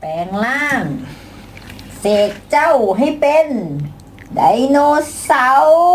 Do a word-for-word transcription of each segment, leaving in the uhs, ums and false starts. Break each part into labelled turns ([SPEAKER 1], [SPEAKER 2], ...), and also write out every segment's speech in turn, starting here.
[SPEAKER 1] แปลงร่างเสกเจ้าให้เป็นไดโนเสาร์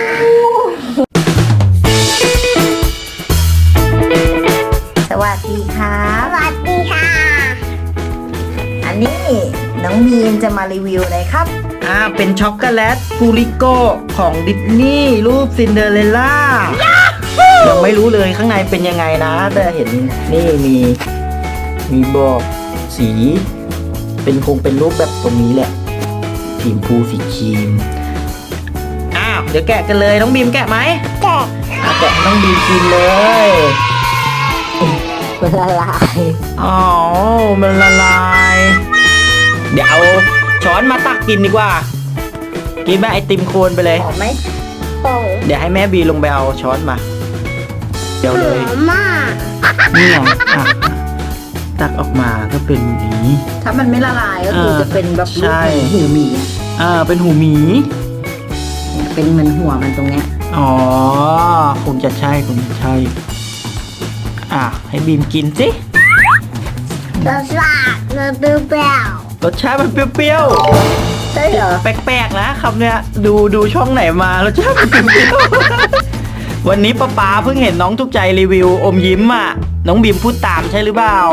[SPEAKER 1] สวัสดีค่ะ
[SPEAKER 2] สวัสดีค่ะ
[SPEAKER 1] อันนี้น้องมีนจะมารีวิวอะไรครับ
[SPEAKER 3] อ่าเป็นช็อกโกแลตฟูริโกของดิสนีย์รูปซินเดอเรลล่ายังไม่รู้เลยข้างในเป็นยังไงนะแต่เห็นนี่มีมีบอกสีเป็นคงเป็นรูปแบบตรงนี้แหละสีชมพูสีครีมอ้าวเดี๋ยวแกะกันเลยน้องบีมแกะไหม
[SPEAKER 2] แกะ
[SPEAKER 3] อ่ะแกะให้น้องบีมกินเลย
[SPEAKER 1] มันละลาย
[SPEAKER 3] อ๋อมันละลายเดี๋ยวเอาช้อนมาตักกินดีกว่ากินแบบไอติมโคนไปเลย
[SPEAKER 1] หอมไหม
[SPEAKER 2] โป่ง
[SPEAKER 3] เดี๋ยวให้แม่บีลงไปเอาช้อนมาเดี๋ยว
[SPEAKER 2] ห
[SPEAKER 3] เล
[SPEAKER 2] อย มมาก
[SPEAKER 3] นี่ไงอ่ะตักออกมาก็เป็นอย่างนี้
[SPEAKER 1] ถ้ามันไม่ละลายก็คือ
[SPEAKER 3] เออ
[SPEAKER 1] จะเป็นแบบรู
[SPEAKER 3] ใช่
[SPEAKER 1] ปหูหมี
[SPEAKER 3] อ่าเป็นหูหมี
[SPEAKER 1] เป็นเหมือนหัวมันตรงเนี้ย
[SPEAKER 3] อ๋อคงจะใช่คงจะใช่อ่ะให้บีมกินสิ
[SPEAKER 2] รสชาติมันเปรี้ยว
[SPEAKER 3] รสชาติมันเปรี้ยว
[SPEAKER 1] ใช่เหรอ
[SPEAKER 3] ๆแปลกๆนะคำเนี้ยดูดูช่องไหนมารสชาติมันเปรี้ยวๆ วันนี้ป๊าป๊าเพิ่งเห็นน้องทุกใจรีวิวอมยิ้มอ่ะน้องบีมพูดตามใช่หรือเปล่า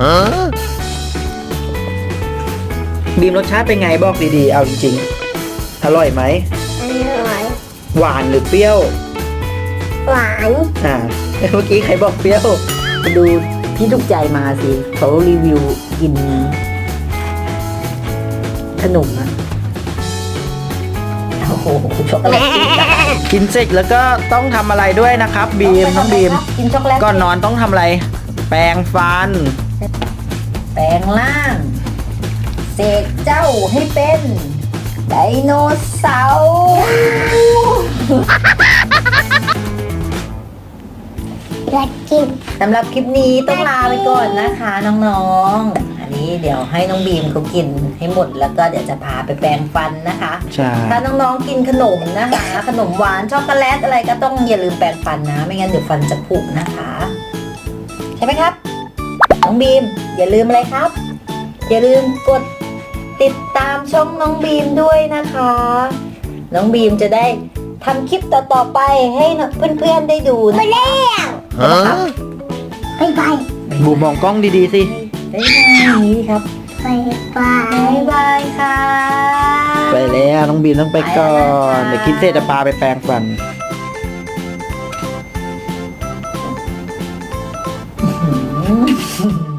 [SPEAKER 3] บีมรสชาติเป็นไงบอกดีๆเอาจริงๆอร่อยไหม
[SPEAKER 2] ๆอร่อย
[SPEAKER 3] หวานหรือเปรี้ยว
[SPEAKER 2] หวาน
[SPEAKER 3] อ่าเมื่อกี้ใครบอกเปรี้ยว
[SPEAKER 1] ไปดูพี่ทุกใจมาสิเขารีวิวกินขนมอะโอ้โหช็อกโกแลตกินกัน
[SPEAKER 3] กินเสร็จแล้วก็ต้องทำอะไรด้วยนะครับบีมน้องบีม
[SPEAKER 1] กินช็อกโกแลต
[SPEAKER 3] ก่อนนอนต้องทำอะไร แปรงฟัน
[SPEAKER 1] แปลงร่างเสกเจ้าให้เป็นไดโนเสาร์
[SPEAKER 2] อยากกิน
[SPEAKER 1] สำหรับคลิปนี้ต้องลาไปก่อนนะคะน้องๆ อันนี้เดี๋ยวให้น้องบีมเขากินให้หมดแล้วก็เดี๋ยวจะพาไปแปรงฟันนะคะ
[SPEAKER 3] ใช่
[SPEAKER 1] ถ้าน้องๆกินขนมนะคะ ขนมหวานช็อกโกแลตอะไรก็ต้องอย่าลืมแปรงฟันนะ ไม่งั้นเดี๋ยวฟันจะผุนะคะ ใช่ไหมครับ น้องบีมอย่าลืมอะไรครับ อย่าลืมกดติดตามช่องน้องบีมด้วยนะคะ น้องบีมจะได้ทำคลิปต่อๆไปให้เพื่อนๆได้ดูนะ
[SPEAKER 2] ไปแล้ว
[SPEAKER 1] นะครับ
[SPEAKER 2] ไปไป
[SPEAKER 3] บูมมองกล้องดีๆสิ
[SPEAKER 1] บ๊ายบายครับ
[SPEAKER 2] ไปไป
[SPEAKER 1] บ๊ายบายค่ะ
[SPEAKER 3] ไปแล้วน้องบีมต้องไปก่อน
[SPEAKER 1] ไปแล้วนะคะ
[SPEAKER 3] เดี๋ยวกินเสร็จจะพาไปแปรงฟัน
[SPEAKER 1] อืม